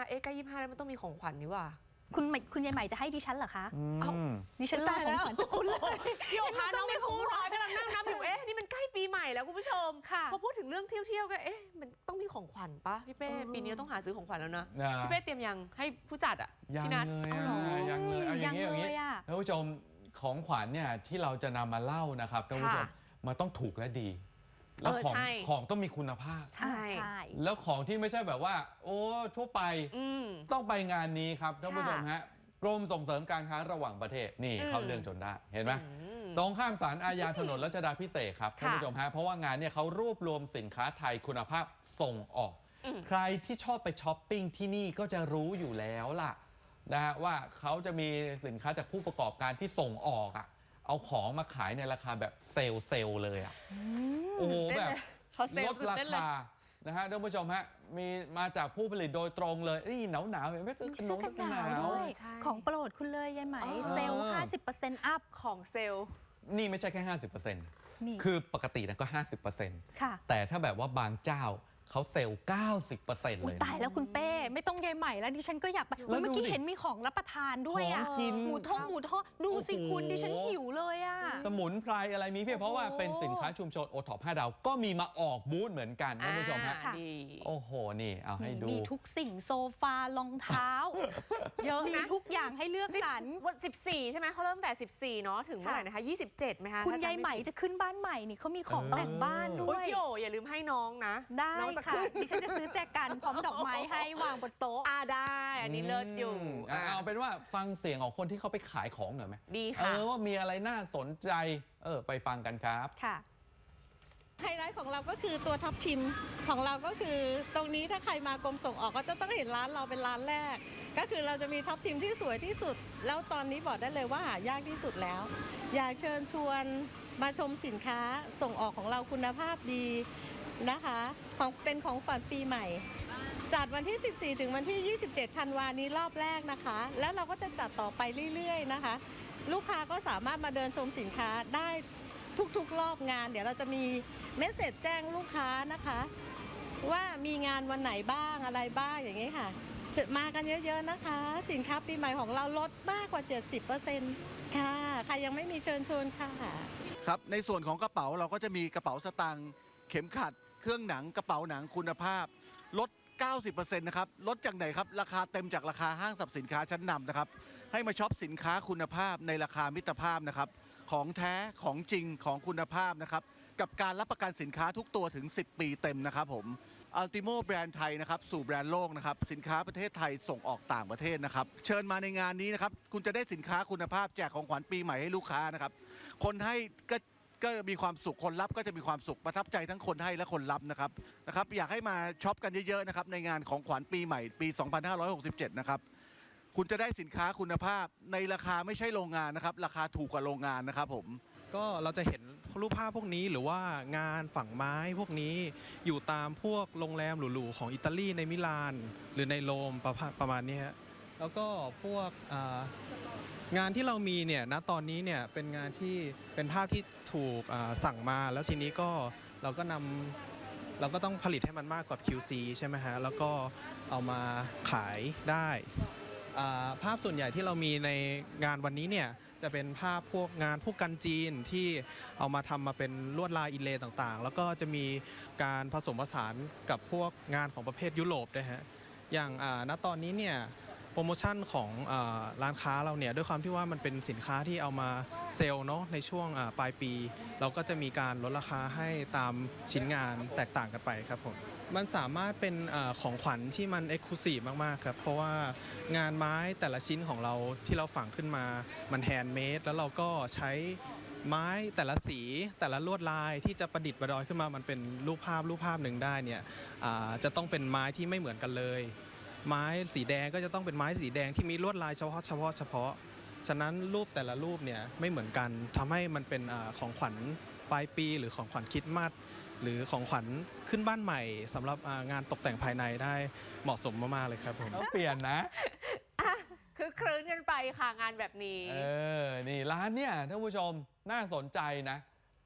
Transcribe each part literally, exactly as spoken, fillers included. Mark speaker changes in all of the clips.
Speaker 1: เอ๊ะใกล้ยี่สิบห้าแล้วมันต้องมีของขวัญนี่ว่า
Speaker 2: คุณคุณยายใหม่จะให้ดิฉันเหรอคะดิฉันรอของขวัญจากคุณเลย
Speaker 1: พี่โอคะน้องไม่พูดกำลังนั่งนับอยู่เอ๊ะนี่มันใกล้ปีใหม่แล้วคุณผู้ชมพอพูดถึงเรื่องเที่ยวๆก็เอ๊ะมันต้องมีของขวัญปะพี่เป้ปีนี้ต้องหาซื้อของขวัญแล้วนะพี่เป้เตรียมยังให้ผู้จัดอ่ะ
Speaker 3: ยังเลยยังเลยเอาอย่างนี้อย่างนี้ท่านผู้ชมของขวัญเนี่ยที่เราจะนำมาเล่านะครับท่านผู้ชมมันต้องถูกและดีแล้วของของต้องมีคุณภาพ
Speaker 2: ใช่
Speaker 3: แล้วของที่ไม่ใช่แบบว่าโอ้ทั่วไปต้องไปงานนี้ครับท่านผู้ชมฮะกรมส่งเสริมการค้าระหว่างประเทศนี่เข้าเรื่องจนได้เห็นไหมตรงข้ามศาลอาญาถนนรัชดาภิเษกครับท่านผู้ชมฮะเพราะว่างานเนี่ยเขารวบรวมสินค้าไทยคุณภาพส่งออกใครที่ชอบไปช้อปปิ้งที่นี่ก็จะรู้อยู่แล้วล่ะนะฮะว่าเขาจะมีสินค้าจากผู้ประกอบการที่ส่งออกอ่ะเอาของมาขายในราคาแบบเซลล์เซลล์เลยอ่ะโอ้โหแบบลดราคานะฮะท่านผู้ชมฮะมีมาจากผู้ผลิตโดยตรงเลยนี่หนาวหนาวเห็นไหมซื้อขนมกันหนาว
Speaker 2: ด้วยของโปรดคุณเลยยายไหมเซลล์ ห้าสิบเปอร์เซ็นต์ อัพ
Speaker 1: ของเซลล์
Speaker 3: นี่ไม่ใช่แค่ ห้าสิบเปอร์เซ็นต์ คือปกตินะก็ ห้าสิบเปอร์เซ็นต์ แต่ถ้าแบบว่าบางเจ้าเขาเซลล์ เก้าสิบเปอร์เซ็นต์ เลย
Speaker 2: ตายแล้วคุณเป้ไม่ต้องยายใหม่แล้วดิฉันก็อยากไปเมื่อกี้เห็นมีของรับประทานด้วยอ่ะหมูทอดหมูทอดดูสิคุณดิฉันหิวเลยอ่ะ
Speaker 3: สมุนไพรอะไรมีเพียบเพราะว่าเป็นสินค้าชุมชนโอท็อปห้าดาวก็มีมาออกบูธเหมือนกันท่านผู้ชมฮะโอ้โหนี่เอาให้ดู
Speaker 2: มีทุกสิ่งโซฟารองเท้าเยอะมีทุกอย่างให้เลือกสรร
Speaker 1: วันสิบสี่ใช่ไหมเขาเริ่มแต่สิบสี่เนาะถึงเมื่อไหร่นะคะยี่สิบเจ็ดไหมคะ
Speaker 2: คุณยายใหม่จะขึ้นบ้านใหม่นี่เขามีของแต่งบ้านด้วย
Speaker 1: พี่โออย่าลืมให้น้องนะ
Speaker 2: ได้ค่ะดิฉันจะซื้อแจกันพร้อมดอกไม้ให้วางบนโต๊ะ
Speaker 1: อ่าได้อันนี้เลิศอยู่
Speaker 3: เอาเป็นว่าฟังเสียงของคนที่เขาไปขายของหน่อยไหม
Speaker 1: ดี
Speaker 3: ค่ะเออว่ามีอะไรน่าสนใจเออไปฟังกันครับ
Speaker 2: ค่ะ
Speaker 4: ไฮไลท์ของเราก็คือตัวท็อปทิมของเราก็คือตรงนี้ถ้าใครมากรมส่งออกก็จะต้องเห็นร้านเราเป็นร้านแรกก็คือเราจะมีท็อปทิมที่สวยที่สุดแล้วตอนนี้บอกได้เลยว่าหายากที่สุดแล้วอยากเชิญชวนมาชมสินค้าส่งออกของเราคุณภาพดีนะคะของเป็นของฝันปีใหม่จัดวันที่สิบสี่ถึงวันที่ยี่สิบเจ็ดธันวาคมนี้รอบแรกนะคะแล้วเราก็จะจัดต่อไปเรื่อยๆนะคะลูกค้าก็สามารถมาเดินชมสินค้าได้ทุกๆรอบงานเดี๋ยวเราจะมีเมสเสจแจ้งลูกค้านะคะว่ามีงานวันไหนบ้างอะไรบ้างอย่างนี้ค่ะจะมากันเยอะๆนะคะสินค้าปีใหม่ของเราลดมากกว่า เจ็ดสิบเปอร์เซ็นต์ ค่ะใครยังไม่มีเชิญชวนค่ะ
Speaker 5: ครับในส่วนของกระเป๋าเราก็จะมีกระเป๋าสตางค์เข็มขัดเครื่องหนังกระเป๋าหนังคุณภาพลด เก้าสิบเปอร์เซ็นต์ นะครับลดจากไหนครับราคาเต็มจากราคาห้างสรรพสินค้าชั้นนำนะครับให้มาช็อปสินค้าคุณภาพในราคามิตรภาพนะครับของแท้ของจริงของคุณภาพนะครับกับการรับประกันสินค้าทุกตัวถึงสิบปีเต็มนะครับผมอัลติโมแบรนด์ไทยนะครับสู่แบรนด์โลกนะครับสินค้าประเทศไทยส่งออกต่างประเทศนะครับเชิญมาในงานนี้นะครับคุณจะได้สินค้าคุณภาพแจกของขวัญปีใหม่ให้ลูกค้านะครับคนให้ก็ก็มีความสุขคนรับก็จะมีความสุขประทับใจทั้งคนให้และคนรับนะครับนะครับอยากให้มาช็อปกันเยอะๆนะครับในงานของขวัญปีใหม่ปีสองพันห้าร้อยหกสิบเจ็ดนะครับคุณจะได้สินค้าคุณภาพในราคาไม่ใช่โรงงานนะครับราคาถูกกว่าโรงงานนะครับผม
Speaker 6: ก็เราจะเห็นรูปภาพพวกนี้หรือว่างานฝั่งไม้พวกนี้อยู่ตามพวกโรงแรมหรูๆของอิตาลีในมิลานหรือในโรมประประมาณนี้ฮะแล้วก็พวกงานที่เรามีเนี่ยณตอนนี้เนี่ยเป็นงานที่เป็นภาพที่ถูกสั่งมาแล้วทีนี้ก็เราก็นำเราก็ต้องผลิตให้มันมากกว่า คิว ซี ใช่ไหมฮะแล้วก็เอามาขายได้ภาพส่วนใหญ่ที่เรามีในงานวันนี้เนี่ยจะเป็นภาพพวกงานพวกกันจีนที่เอามาทำมาเป็นลวดลายอินเลย์ต่างๆแล้วก็จะมีการผสมผสานกับพวกงานของประเภทยุโรปด้วยฮะอย่างณตอนนี้เนี่ยโปรโมชั่นของร้านค้าเราเนี่ยด้วยความที่ว่ามันเป็นสินค้าที่เอามาเซลล์เนาะในช่วงปลายปีเราก็จะมีการลดราคาให้ตามชิ้นงานแตกต่างกันไปครับผมมันสามารถเป็นของขวัญที่มันเอ็กซ์คลูซีฟมากๆครับเพราะว่างานไม้แต่ละชิ้นของเราที่เราฝังขึ้นมามันแฮนด์เมดแล้วเราก็ใช้ไม้แต่ละสีแต่ละลวดลายที่จะประดิษฐ์ประดอยขึ้นมามันเป็นรูปภาพรูปภาพหนึ่งได้เนี่ยจะต้องเป็นไม้ที่ไม่เหมือนกันเลยไม้สีแดงก็จะต้องเป็นไม้สีแดงที่มีลวดลายเฉพาะเฉพาะเฉพาะฉะนั้นรูปแต่ละรูปเนี่ยไม่เหมือนกันทำให้มันเป็นของขวัญปลายปีหรือของขวัญคริสต์มาสหรือของขวัญขึ้นบ้านใหม่สำหรับงานตกแต่งภายในได้เหมาะสมมากๆเลยครับผม
Speaker 3: ต้องเปลี่ยนนะ
Speaker 1: คือคลื้นกันไปค่ะงานแบบนี้
Speaker 3: เออนี่ร้านเนี่ยท่านผู้ชมน่าสนใจนะ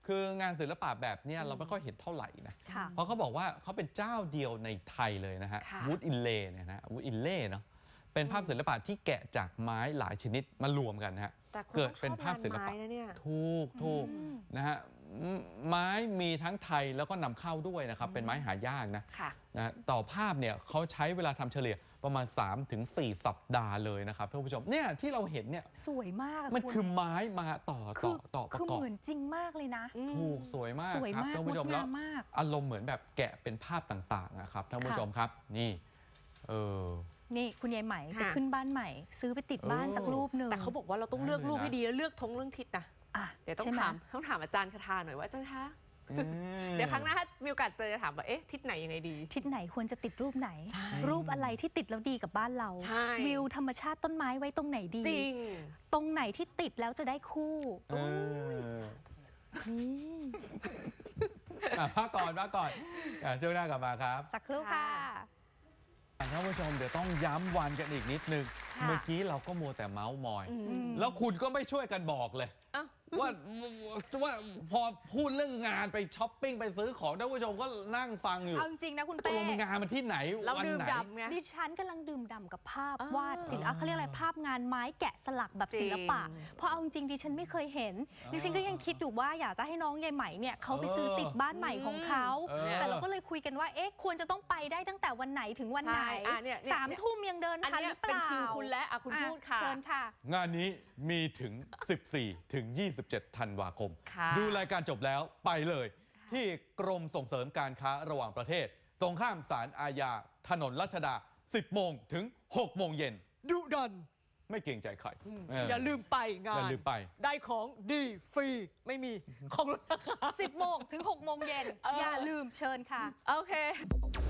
Speaker 3: คืองานศิลปะแบบเนี้ยเราไม่ค่อยเห็นเท่าไหร่นะ
Speaker 2: ค่ะ
Speaker 3: เพราะเขาบอกว่าเขาเป็นเจ้าเดียวในไทยเลยนะฮะ
Speaker 1: ค่ะ
Speaker 3: วูดอินเล่เนี่ยนะวูดอินเล่เนาะเป็นภาพศิลปะที่แกะจากไม้หลายชนิดมารวมกันนะฮะ
Speaker 1: แต่คน
Speaker 3: เกิด
Speaker 1: ต้องช
Speaker 3: เป็น
Speaker 1: อบ
Speaker 3: ภาพศิล
Speaker 1: งาน
Speaker 3: ปะ
Speaker 1: ไม้นะเนี่ย
Speaker 3: ถูกถูกนะฮะอืมไม้มีทั้งไทยแล้วก็นำเข้าด้วยนะครับ เป็นไม้หายากนะ
Speaker 1: ค่ะ
Speaker 3: นะฮะต่อภาพเนี่ยเขาใช้เวลาทำเฉลี่ยประมาณ สามถึงสี่ สัปดาห์เลยนะครับท่านผู้ชมเนี่ยที่เราเห็นเนี่ย
Speaker 2: สวยมากะ
Speaker 3: มัน
Speaker 2: ณ
Speaker 3: คือไม้มาต่อ
Speaker 2: คื
Speaker 3: ต่อต่อประ
Speaker 2: คือก
Speaker 3: อบ
Speaker 2: เหมือนจริงมากเลยนะ
Speaker 3: ถูกสวยมาก
Speaker 2: สวย
Speaker 3: ครับ
Speaker 2: มาก
Speaker 3: ท่าน
Speaker 2: ง
Speaker 3: ผู้
Speaker 2: ด
Speaker 3: ชมแล้ว
Speaker 2: งามมาก
Speaker 3: อารมณ์เหมือนแบบแกะเป็นภาพต่างๆนะครับท่านผู้
Speaker 2: ค่ะ
Speaker 3: ชมครับนี่เออ
Speaker 2: นี่คุณยายไหม
Speaker 1: ค่ะ
Speaker 2: จะขึ้นบ้านใหม่ ซื้อไปติดบ้าน
Speaker 3: เออ
Speaker 2: สักรูปหนึ่ง
Speaker 1: แต่เขาบอกว่าเราต้องเลือก
Speaker 3: ได้เลย
Speaker 1: รูป
Speaker 3: นะ
Speaker 1: ให้ดีแล้วเลือกทงเรื่องทิศนะ
Speaker 2: อ่ะ
Speaker 1: เดี๋ยวต้อง
Speaker 2: ใช่ไห
Speaker 1: ถามต้องถามอาจารย์คทาหน่อยว่าอาจารย์คะ
Speaker 3: อืม
Speaker 1: เดี๋ยวครั้งหน้าถ้ามีโอกาสเจอจะถามว่าเอ๊ะทิศไหนยังไงดี
Speaker 2: ทิศไหนควรจะติดรูปไหน
Speaker 1: ใช่
Speaker 2: รูปอะไรที่ติดแล้วดีกับบ้านเรา
Speaker 1: ใช่
Speaker 2: วิวธรรมชาติต้นไม้ไว้ตรงไหนดี
Speaker 1: จริง
Speaker 2: ตรงไหนที่ติดแล้วจะได้คู่
Speaker 3: เออ
Speaker 2: นี่
Speaker 3: อ่ะพักก่อนพักก่อนอ่ะช่วงหน้ากลับมาครับ
Speaker 2: สักครู่ค่ะ
Speaker 3: ท่านผู้ชมเดี๋ยวต้องย้ำวันกันอีกนิดนึง
Speaker 2: ค่ะ
Speaker 3: เมื่อกี้เราก็มัวแต่เมาส์มอย
Speaker 1: อืม
Speaker 3: แล้วคุณก็ไม่ช่วยกันบอกเลย
Speaker 1: อ้าว
Speaker 3: ว่าว่าพอพูดเรื่องงานไปช้อปปิ้งไปซื้อของท่านผู้ชมก็นั่งฟังอยู่
Speaker 2: เอาจริงๆนะคุณ
Speaker 3: ตก
Speaker 2: เป้
Speaker 3: ลงงานมันที่ไหน
Speaker 1: เรา
Speaker 3: วัน
Speaker 1: ดื่ม
Speaker 3: ไหน
Speaker 1: ดำไง
Speaker 2: ดิฉันกำลังดื่มด่ำกับภาพ
Speaker 1: อ่าว
Speaker 2: าดศิลปะเขาเรียกอะไรภาพงานไม้แกะสลักแบบศิลปะ
Speaker 1: จริง
Speaker 2: เพราะเอาจริงๆดิฉันไม่เคยเห็น
Speaker 3: อ่า
Speaker 2: ดิฉันก็ยังคิดอยู่ว่าอยากจะให้น้องยายไหมเนี่ยเขาไปซื้อติดบ้านใหม่ของเขา
Speaker 3: เออ
Speaker 2: แต่เราก็เลยคุยกันว่าเอ๊ะควรจะต้องไปได้ตั้งแต่วันไหนถึงวันไหน
Speaker 1: ใช่อ่ะเนี่ยเนี่ย
Speaker 2: สามทุ่มยังเดิน
Speaker 1: อัน
Speaker 2: ทัน
Speaker 1: เนี้
Speaker 2: ห
Speaker 1: ย
Speaker 2: รือเป
Speaker 1: เป็น
Speaker 2: ล่า
Speaker 1: คิวคุณและอ่ะคุณ
Speaker 2: อ่ะ
Speaker 1: พูดค่ะ
Speaker 2: เชิญค่ะ
Speaker 3: งานนี้มีถึง สิบสี่ ถึง ยี่สิบเจ็ด ธันวาคม
Speaker 1: ค่ะ
Speaker 3: ดูรายการจบแล้วไปเลย ที่กรมส่งเสริมการค้าระหว่างประเทศ ตรงข้ามศาลอาญาถนนรัชดา สิบโมงถึง หกโมงเย็น
Speaker 1: ดุดัน
Speaker 3: ไม่เกรงใจใครเ
Speaker 1: อย่าลืมไปงา
Speaker 3: อย่าน ลืมไป
Speaker 1: ได้ของดีฟรีไม่มีของลดราคา
Speaker 2: สิบโมงถึงหกโมงเย็น
Speaker 1: เอออ
Speaker 2: อย่าลืมเชิญค่ะ
Speaker 1: โอเค